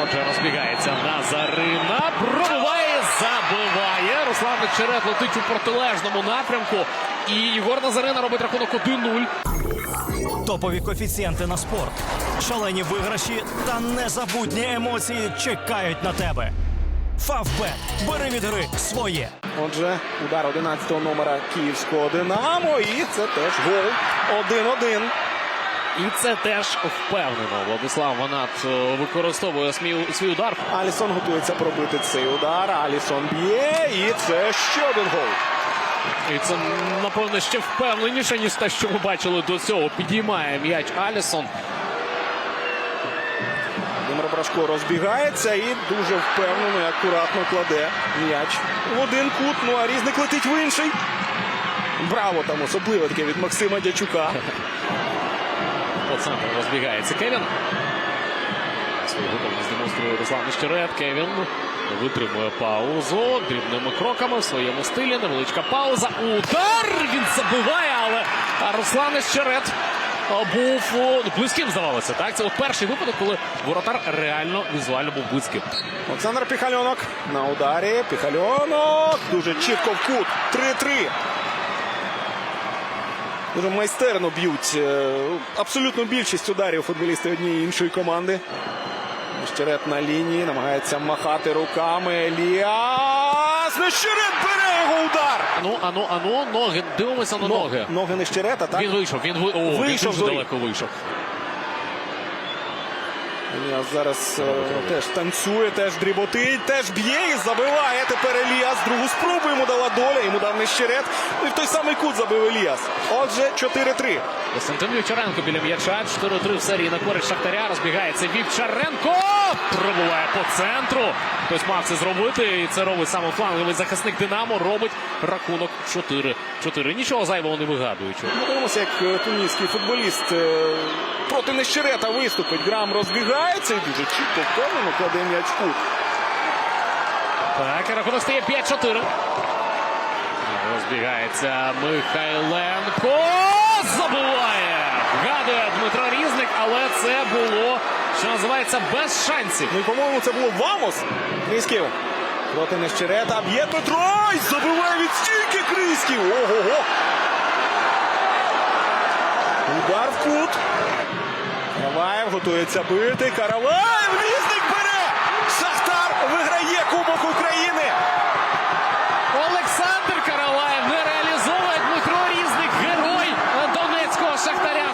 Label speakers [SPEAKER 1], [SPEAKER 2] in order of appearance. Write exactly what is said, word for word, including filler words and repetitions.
[SPEAKER 1] Отже, розбігається Назарина. Пробиває, забиває. Руслан Нечерет летить у протилежному напрямку. І Єгор Назарина робить рахунок один нуль.
[SPEAKER 2] Топові коефіцієнти на спорт, шалені виграші та незабутні емоції чекають на тебе. Фавбет. Бери від гри своє.
[SPEAKER 3] Отже, удар одинадцятого номера київського «Динамо». І це теж гол. один-один.
[SPEAKER 1] І це теж впевнено. Владислав Ванат е, використовує свій, свій удар.
[SPEAKER 3] Алісон готується пробити цей удар. Алісон б'є. І це ще один гол.
[SPEAKER 1] І це, напевно, ще впевненіше, ніж те, що ми бачили до цього. Підіймає м'яч Алісон.
[SPEAKER 3] Володимир Брашко розбігається і дуже впевнено і акуратно кладе м'яч в один кут. Ну а Різник летить в інший. Браво там особливо таке від Максима Дячука.
[SPEAKER 1] По центру розбігається Кевін. Свою готовність демонструє Руслан Нечерет. Кевін витримує паузу. Дрібними кроками в своєму стилі. Невеличка пауза. Удар! Він забиває, але Руслан Нечерет був ну, близьким, здавалося. Так? Це от перший випадок, коли воротар реально візуально був близьким.
[SPEAKER 3] Олександр Піхальонок на ударі. Піхальонок дуже чітко в кут. три-три. Дуже майстерно б'ють абсолютно більшість ударів футболісти однієї і іншої команди. Нещерет на лінії, намагається махати руками. Еліас! Нещерет бере його удар!
[SPEAKER 1] Ану, ану, ану, ноги. Дивимося на ноги.
[SPEAKER 3] Ноги Нещерета, так?
[SPEAKER 1] Він вийшов, він, ви... О,
[SPEAKER 3] Вийшов
[SPEAKER 1] він дуже далеко вийшов.
[SPEAKER 3] Еліас зараз е, теж танцює, теж дріботить, теж б'є і забиває. Тепер Еліас. Другу спробу йому дала доля, йому дав Нещерет. І в той самий кут забив Еліас. Отже, чотири-три.
[SPEAKER 1] Костянтин Вівчаренко біля м'яча. чотири-три в серії на користь Шахтаря. Розбігається Вівчаренко. Пробиває по центру. Хтось мав це зробити. І це робить саме фланговий захисник «Динамо». Робить рахунок чотири-чотири. Нічого зайвого не вигадуючи.
[SPEAKER 3] Подивимося, як тунісський футболіст е, проти Нещерета виступить. Грам розбігається і дуже чітко впевнено кладе м'яч в кут.
[SPEAKER 1] Так, і рахунок стає п'ять-чотири. Розбігається Михайленко. Забиває! Вгадує Дмитро Різник, але це було, що називається, без шансів.
[SPEAKER 3] Ну і, по-моєму, це було Вамос. Крісків проти Нещерета. Б'є Петро! І забиває від стійки Крісків! Ого-го! Удар в кут. Караваєв готується бити. Караваєв! Різник бере! Шахтар виграє Кубок України!